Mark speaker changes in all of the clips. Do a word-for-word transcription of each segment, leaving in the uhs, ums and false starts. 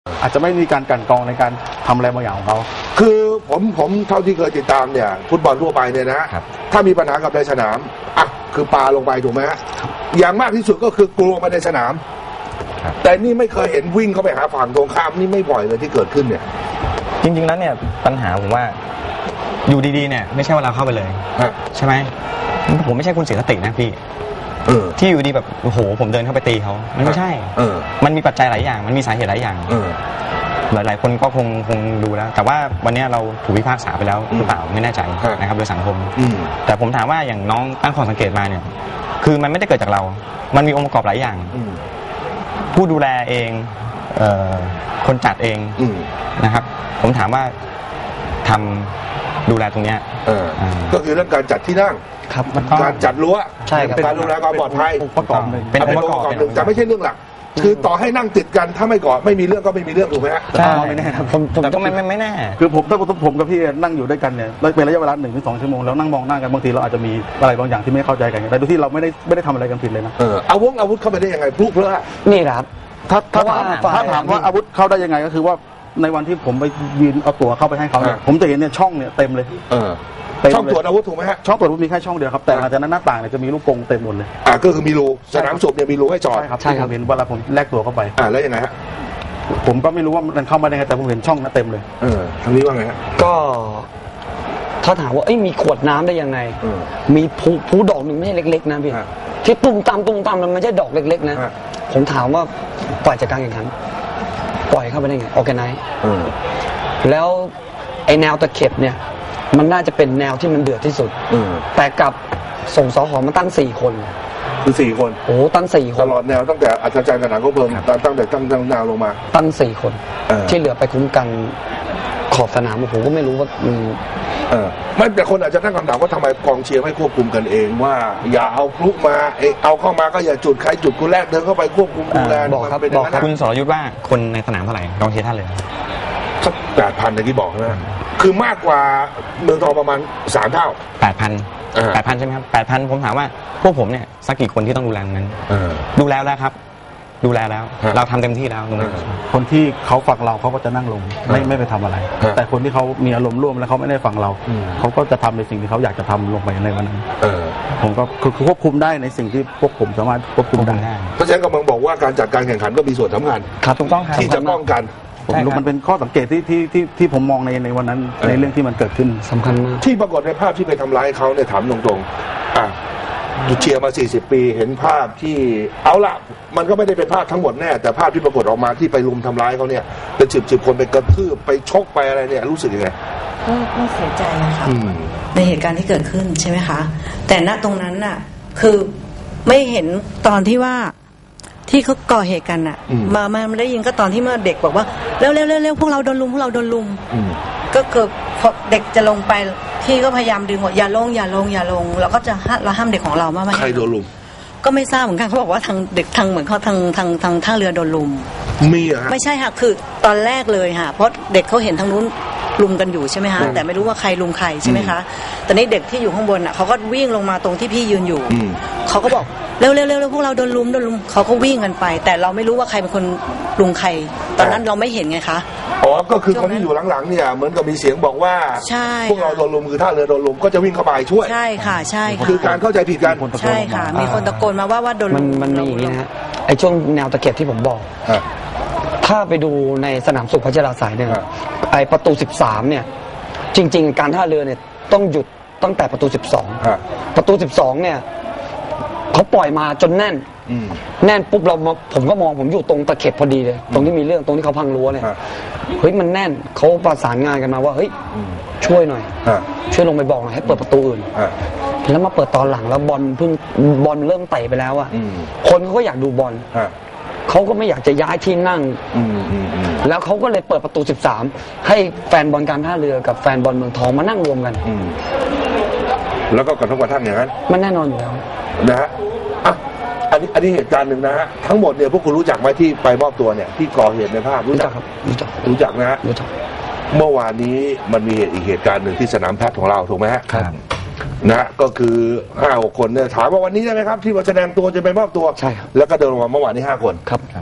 Speaker 1: อาจจะไม่มีการกลั่นกรองในการทำอะไรบางอย่างของเขา
Speaker 2: คือผมผมเท่าที่เคยติดตามเนี่ยฟุตบอลทั่วไปเนี่ยนะถ้ามีปัญหากับในสนามอ่ะคือปาลงไปถูกไหมฮะอย่างมากที่สุดก็คือกลัวมาในสนามแต่นี่ไม่เคยเห็นวิ่งเข้าไปหาฝั่งตรงข้ามนี่ไม่บ่อยเลยที่เกิดขึ้นเนี่ย
Speaker 3: จริงๆแล้วเนี่ยปัญหาผมว่าอยู่ดีๆเนี่ยไม่ใช่ว่าเราเข้าไปเลยใช่ไหมผมไม่ใช่คุณเสียสตินะพี่ที่อยู่ดีแบบโอ้โหผมเดินเข้าไปตีเขามันไม่ใช่มันมีปัจจัยหลายอย่างมันมีสาเหตุหลายอย่างหลายๆคนก็คงคงดูแล้วแต่ว่าวันนี้เราถูกพิพากษาไปแล้วหรือเปล่าไม่แน่ใจนะครับโดยสังคมแต่ผมถามว่าอย่างน้องตั้งข้อสังเกตมาเนี่ยคือมันไม่ได้เกิดจากเรามันมีองค์ประกอบหลายอย่างผู้ดูแลเองคนจัดเองนะครับผมถามว่าทำดูแลตรงนี้
Speaker 2: ก็คือเรื่องการจัดที่นั่งการจัดรั้วการดูแลความปลอดภัย
Speaker 1: ประกอบหนึ่ง
Speaker 2: เป็นองค์ประกอบหนึ่งแต่ไม่ใช่เรื่องหลักคือต่อให้นั่งติดกันถ้าไม่ก่อไม่มีเรื่องก็ไม่มีเรื่องถูกไหมฮะ
Speaker 3: ใช่ไม่แน่ครับผมผมก็ไม่ไม่แน่
Speaker 1: คือผมถ้าผมกับพี่นั่งอยู่ด้วยกันเนี่ยเป็นระยะเวลาหนึ่งถึงสองชั่วโมงแล้วนั่งมองหน้ากันบางทีเราอาจจะมีอะไรบางอย่างที่ไม่เข้าใจกันแต่โดยที่เราไม่ได้ไม่ได้ทำอะไรกันผิดเลยนะ
Speaker 2: เอออาวุธอาวุธเข้าไปได้ยังไงพลุเพลอะ
Speaker 3: นี่ครับ
Speaker 1: ถ้าถ้าถามถ้าถามว่าอาวุธเข้าได้ยังไงก็คือว่าในวันที่ผมไปยืนเอาตั๋วเข้าไปให้เขาเนี่ยผมจะเห็นเนี่ยช่องเนี่ยเต็มเลย
Speaker 2: ช่องตรวจอาวุธถูกไหมฮะ
Speaker 1: ช่องตรวจอาวุธมีแค่ช่องเดียวครับแต่หลังจากนั้นหน้าต่างเนี่ยจะมีลูกกรงเต็มหมดเลย
Speaker 2: อ่าก็คือมีรูสนามสูบเนี่ยมีรูให้จอด
Speaker 1: ใช่ครับใช่ครับเห็นเวลาผมแลกตั๋วเข้าไป
Speaker 2: อ่าแล้วยังไงฮะ
Speaker 1: ผมก็ไม่รู้ว่ามันเข้ามาได้ไงแต่ผมเห็นช่องนั้นเต็มเลย
Speaker 2: เออทางนี้ว่าไงฮะ
Speaker 3: ก็ถ้าถามว่าเอ้ยมีขวดน้ำได้ยังไงมีผู้ผู้ดอกหนึ่งไม่ใช่เล็กๆนะพี่ที่ตุ้มตามตุ้มตามมันไม่ใช่ดอกเล็กๆนะผมถามว่าปล่อยจากการแข่งขันปล่อยเข้าไปได้ไงออร์แกไนซ์แล้วไอแนวตะเข็บเนี่ยมันน่าจะเป็นแนวที่มันเดือดที่สุดแต่กับส่งสหมาตั้งสี่คน
Speaker 2: คือสี่คน
Speaker 3: โอ้ตั้งสี่คน
Speaker 2: ตลอดแนวตั้งแต่อัศจรรย์สนามก็เพิ่มตั้งแต่ตั้งแนวลงมา
Speaker 3: ตั้งสี่คนที่เหลือไปคุ้มกันขอบสนามผมก็ไม่รู้ว่า
Speaker 2: เออไม่แต่คนอาจจะตั้งคำถามว่าทำไมกองเชียร์ไม่ควบคุมกันเองว่าอย่าเอาพลุมาเอาเข้ามาก็อย่าจุดใครจุดคนแรกเดินเข้าไปควบคุมดูแล
Speaker 3: บอกครับบอกคุณสรยุทธว่าคนในสนามเท่าไหร่กองเชียร์ท่านเลย
Speaker 2: สักแปดพันอย่างที่บอกนะคือมากกว่าเมืองทองประมาณสามเท่า
Speaker 3: แปดพันแปดพันใช่ไหมครับแปดพันผมถามว่าพวกผมเนี่ยสักกี่คนที่ต้องดูแลนั้นดูแลแล้วครับดูแลแล้วเราทำเต็มที่แล้วตรงนั้น
Speaker 1: คนที่เขาฟังเราเขาก็จะนั่งลงไม่ไม่ไปทำอะไรแต่คนที่เขามีอารมณ์ร่วมแล้วเขาไม่ได้ฟังเราเขาก็จะทำในสิ่งที่เขาอยากจะทำลงไปในวันนั้นผมก็คือควบคุมได้ในสิ่งที่พวกผมสามารถควบคุมได้
Speaker 2: เพราะฉะนั้นกำลังบอกว่าการจัดการแข่งขันก็มีส่วนสำคัญ
Speaker 3: ครับถูกต้องครับ
Speaker 2: ที่จะป้องกัน
Speaker 1: ผมรู้มันเป็นข้อสังเกตที่ที่ที่ที่ผมมองในในวันนั้นในเรื่องที่มันเกิดขึ้น
Speaker 3: สำคัญมาก
Speaker 2: ที่ปรากฏในภาพที่ไปทำร้ายเขาเนี่ยถามตรงๆอ่ะเชียร์มาสี่สิบปีเห็นภาพที่เอาละมันก็ไม่ได้เป็นภาพทั้งหมดแน่แต่ภาพที่ปรากฏออกมาที่ไปรุมทำร้ายเขาเนี่ยเป็นสิบสิบคนไปกระทืบไปชกไปอะไรเนี่ยรู้สึกยังไง
Speaker 4: ก็ก็เสียใจนะคะในเหตุการณ์ที่เกิดขึ้นใช่ไหมคะแต่ณตรงนั้นน่ะคือไม่เห็นตอนที่ว่าที่เขาก่อเหตุกันน่ะมามาได้ยินก็ตอนที่เมื่อเด็กบอกว่าเร็วเร็วเร็วเร็วพวกเราโดนลุมพวกเราโดนลุมก็เกิดพอเด็กจะลงไปพี่ก็พยายามดึงว่าอย่าลงอย่าลงอย่าลงเราก็จะเราห้ามเด็กของเราไม่ให้
Speaker 2: ใครโดนลุม
Speaker 4: ก็ไม่ทราบเหมือนกันเขาบอกว่าทางเด็กทางเหมือนเขาทางทางทางท่าเรือโดนลุม
Speaker 2: มีเหรอ
Speaker 4: ไม่ใช่ค่ะคือตอนแรกเลยค่ะเพราะเด็กเขาเห็นทางนู้นลุมกันอยู่ใช่ไหมคะแต่ไม่รู้ว่าใครลุมใครใช่ไหมคะแต่นี่เด็กที่อยู่ข้างบนอ่ะเขาก็วิ่งลงมาตรงที่พี่ยืนอยู่เขาก็บอกเร็วเร็วเร็วพวกเราโดนลุมโดนลุมเขาก็วิ่งกันไปแต่เราไม่รู้ว่าใครเป็นคนลุมใครตอนนั้นเราไม่เห็นไงคะ
Speaker 2: อ๋อก็คือคนที่อยู่หลังๆเนี่ยเหมือนกับมีเสียงบอกว่าพวกเราโดนลุมคือท่าเรือโดนลุมก็จะวิ่งเข้าไปช่วย
Speaker 4: ใช่ค่ะใช่ค่ะ
Speaker 2: คือการเข้าใจผิดกัน
Speaker 4: ใช่ค่ะมีคนตะโกนมาว่าว่าโดนลุม
Speaker 3: มันมีอย่างนี้นะไอ้ช่วงแนวตะเข็บที่ผมบอกถ้าไปดูในสนามสุขพัชราสายเนี่ยไอ้ประตูสิบสามเนี่ยจริงๆการท่าเรือเนี่ยต้องหยุดตั้งแต่ประตูสิบสองประตูสิบสองเนี่ยเขาปล่อยมาจนแน่นแน่นปุ๊บเราผมก็มองผมอยู่ตรงตะเข็บพอดีเลยตรงที่มีเรื่องตรงที่เขาพังรั้วเนี่ยเฮ้ยมันแน่นเขาประสานงานกันมาว่าเฮ้ยช่วยหน่อยช่วยลงไปบอกหน่อยให้เปิดประตูอื่นแล้วมาเปิดตอนหลังแล้วบอลเพิ่งบอลเริ่มเตะไปแล้วอ่ะคนเขาก็อยากดูบอลเขาก็ไม่อยากจะย้ายที่นั่งแล้วเขาก็เลยเปิดประตูสิบสามให้แฟนบอลการท่าเรือกับแฟนบอลเมืองทองมานั่งรวมกัน
Speaker 2: แล้วก็กระทบกระทั่งอย่างนั้น
Speaker 3: มันแน่นอนอยู่แล้ว
Speaker 2: นะฮะอ่ะอันนี้อันนี้เหตุการณ์หนึ่งนะฮะทั้งหมดเนี่ยพวกคุณรู้จักไหมที่ไปมอบตัวเนี่ยที่ก่อเหตุในภาพรู้จัก
Speaker 3: ครับรู้จัก
Speaker 2: รู้จักนะฮะ
Speaker 3: รู้จัก
Speaker 2: เมื่อวานนี้มันมีเหตุอีกเหตุการณ์หนึ่งที่สนามแพทย์ของเราถูกไหมฮะ
Speaker 3: ครับ
Speaker 2: นะก็คือห้าหกคนเนี่ยถามว่าวันนี้ได้ไหมครับที่มาแสดงตัวจะไปมอบตัว
Speaker 3: ใช่ครับ
Speaker 2: แล้วก็เดินลงมาเมื่อวานนี้ห้าคน
Speaker 3: ครับ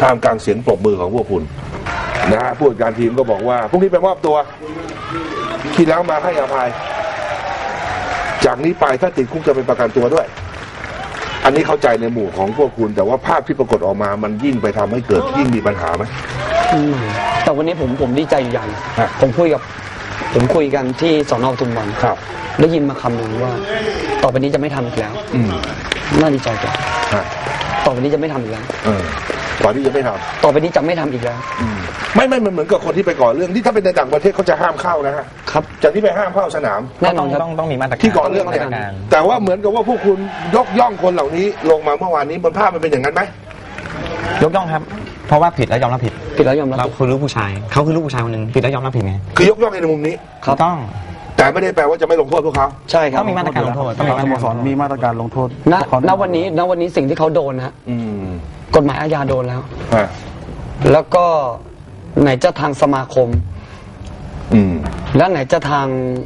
Speaker 2: ท่ามกลางเสียงปรบมือของพวกคุณนะฮะผู้จัดการทีมก็บอกว่าพรุ่งนี้ไปมอบตัวที่แล้วมาให้อภัยจากนี้ไปถ้าติดคุกจะเป็นประกันตัวด้วยอันนี้เข้าใจในหมู่ของพวกคุณแต่ว่าภาพที่ปรากฏออกมามันยิ่งไปทำให้เกิดยิ่งมีปัญหาไหม
Speaker 3: แต่วันนี้ผมผมดีใจอยู่อย่างผมคุยกับผมคุยกันที่สน.ปทุมวัน
Speaker 2: ครับ
Speaker 3: ได้ยินมาคำหนึ่งว่าต่อไปนี้จะไม่ทำอีกแล้วน่าดีใจกว่าต่อไปนี้จะไม่ทำอีกแล้ว
Speaker 2: ก่อนที่จะไม่ทำ
Speaker 3: ต่อไปนี้จะไม่ทำอีกแล้ว
Speaker 2: ไม่ไม่มันเหมือนกับคนที่ไปก่อเรื่องที่ถ้าเป็นในต่างประเทศเขาจะห้ามเข้านะฮะ
Speaker 3: ครับ
Speaker 2: จากที่ไปห้ามเข้าสนาม
Speaker 3: แน่นอน
Speaker 5: ต้องต้องมีมาตรการ
Speaker 2: ที่ก่อเรื่องเนี่ยแต่ว่าเหมือนกับว่าพวกคุณยกย่องคนเหล่านี้ลงมาเมื่อวานนี้บนภาพมันเป็นอย่างนั้นไหม
Speaker 5: ยกย่องครับเพราะว่าผิดแล้วยอมรับผิด
Speaker 3: ผิดแล้วยอมรับ
Speaker 5: เราคือลูกผู้ชายเขาคือลูกผู้ชายคนหนึ่งผิดแล้วยอมรับผิดไง
Speaker 2: คือยกย่องในมุมนี้
Speaker 5: เขาต้อง
Speaker 2: แต่ไม่ได้แปลว่าจะไม่ลงโทษพวกเขา
Speaker 3: ใช่ครับ
Speaker 5: ต้องมีมาตรการลงโทษ
Speaker 1: ต้องมีสโมสรมีมาตรการลงโทษ
Speaker 3: ณณวันนี้ณวันนี้สิ่งที่เขาโดนนะกฎหมายอาญาโดนแล้วแล้วก็ไหนจะทางสมาคมแล้วไหนจะทาง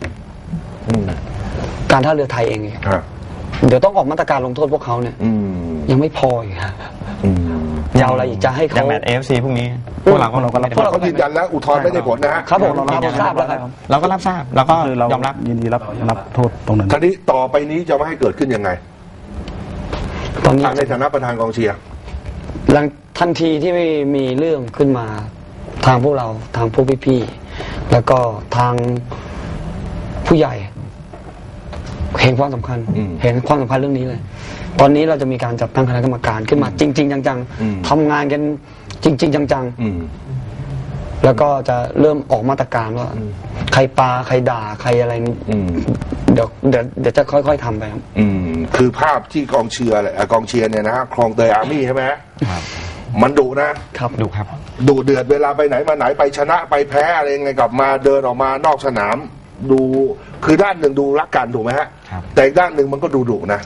Speaker 3: การท่าเรือไทยเองเดี๋ยวต้องออกมาตรการลงโทษพวกเขาเนี่ยยังไม่พออีกฮะยาวอะไรอีกจะให้เขา
Speaker 5: อย่างแมตช์ เอ เอฟ ซี พวกนี้พวกเราก็เราก็รับ
Speaker 2: พวกเราก็ยืนยันแล้วอุทธรณ์ไม่ได้ผลนะฮะ
Speaker 3: ครับผมเรารับทราบแล้วครับ
Speaker 5: เราก็รับทราบแล้วก็ยอมรับ
Speaker 1: ยินดีรับรับโทษตรงนั้น
Speaker 2: ทีนี้ต่อไปนี้จะไม่ให้เกิดขึ้นยังไง
Speaker 3: ตอนนี้
Speaker 2: ในฐานะประธานกองเชียร์
Speaker 3: หลังทันทีที่ไม่มีเรื่องขึ้นมาทางพวกเราทางพวกพี่ๆแล้วก็ทางผู้ใหญ่เห็นความสำคัญเห็นความสำคัญเรื่องนี้เลยตอนนี้เราจะมีการจัดตั้งคณะกรรมการขึ้นมาจริงๆจังๆทำงานกันจริงๆจังๆแล้วก็จะเริ่มออกมาตรการว่าใครปาใครด่าใครอะไรเดี๋ยวเดี๋ยวเดี๋ยวจะค่อยๆทำไปครับ
Speaker 2: คือภาพที่กองเชียร์แหละกองเชียร์เนี่ยนะฮะคลองเตยอาร์มี่ใช่ไหมมันดุ
Speaker 5: นะครับดุครับ
Speaker 2: ดุเดือดเวลาไปไหนมาไหนไปชนะไปแพ้อะไรไงกลับมาเดินออกมานอกสนามดูคือด้านหนึ่งดูรักกันถูกไหมฮะแต่อีกด้านหนึ่งมันก็ดูดุนะ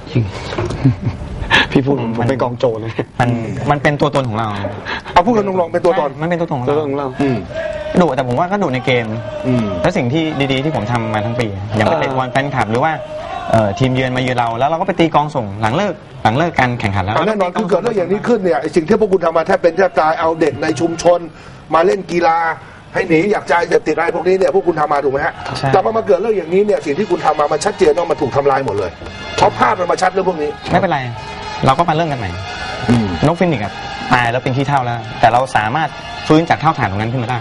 Speaker 3: พี่พูดมันเป็นกองโจรเลย
Speaker 5: มันมันเป็นตัวตนของเรา
Speaker 2: เอาพูดกันตรงๆเป็นตัวตน
Speaker 5: มันเป็นตัวตนของเราดุแต่ผมว่าก็ดุในเกมแล้วสิ่งที่ดีๆที่ผมทำมาทั้งปีอย่างไปเตะบอลแฟนคลับหรือว่าทีมเยือนมาเยือนเราแล้วเราก็ไปตีกองส่งหลังเลิกหลังเลิกการแข่งขันแล้ว
Speaker 2: แน่นอนคือเกิดเรื่องอย่างนี้ขึ้นเนี่ยสิ่งที่พวกคุณทำมาแทบเป็นแทบตายเอาเด็กในชุมชนมาเล่นกีฬาให้หนีอยากใจจะติดอะไรพวกนี้เนี่ยพวกคุณทำมาถูกไหมฮะแต่พอมาเกิดเรื่องอย่างนี้เนี่ยสิ่งที่คุณทำมามันชัดเจนว่ามันถูกทำลายหมดเลยเพราะภาพมันมาชัดเรื่องพวกนี้
Speaker 5: ไม่เป็นไรเราก็มาเริ่มกันใหม่นกฟินิกส์ตายแล้วเป็นขี้เถ้าแล้วแต่เราสามารถฟื้นจากเท่าฐานตรงนั้นขึ้นมาได้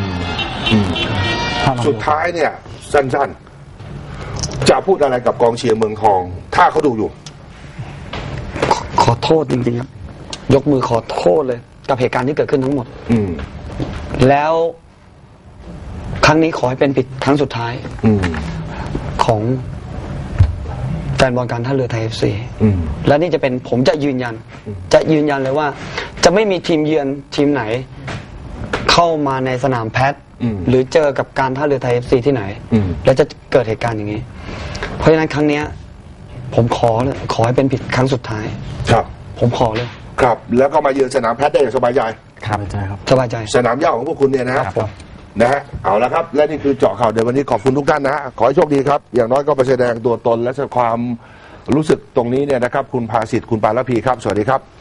Speaker 2: สุดท้ายเนี่ยสั้นๆจะพูดอะไรกับกองเชียร์เมืองทองถ้าเขาดูอยู่
Speaker 3: ขอโทษจริงๆครับยกมือขอโทษเลยกับเหตุการณ์ที่เกิดขึ้นทั้งหมดแล้วครั้งนี้ขอให้เป็นผิดครั้งสุดท้ายของแฟนบอลการท่าเรือไทย เอฟ ซี และนี่จะเป็นผมจะยืนยันจะยืนยันเลยว่าจะไม่มีทีมเยือนทีมไหนเข้ามาในสนามแพทหรือเจอกับการท่าเรือไทย เอฟ ซี ที่ไหนแล้วจะเกิดเหตุการณ์อย่างนี้เพราะฉะนั้นครั้งนี้ผมขอเลยขอให้เป็นผิดครั้งสุดท้าย
Speaker 2: ครับ
Speaker 3: ผมขอเลย
Speaker 2: ครับแล้วก็มาเยือนสนามแพทได้อย่างสบายใจ
Speaker 3: ครับใช่ครับสบายใจ
Speaker 2: สนามหญ้าของพวกคุณเนี่ยนะครับนะฮะเอาละครับและนี่คือเจาะข่าวเดี๋ยววันนี้ขอบคุณทุกท่านนะฮะขอให้โชคดีครับอย่างน้อยก็ไปแสดงตัวตนและความรู้สึกตรงนี้เนี่ยนะครับคุณภาสิทธิ์คุณปาลพีครับสวัสดีครับ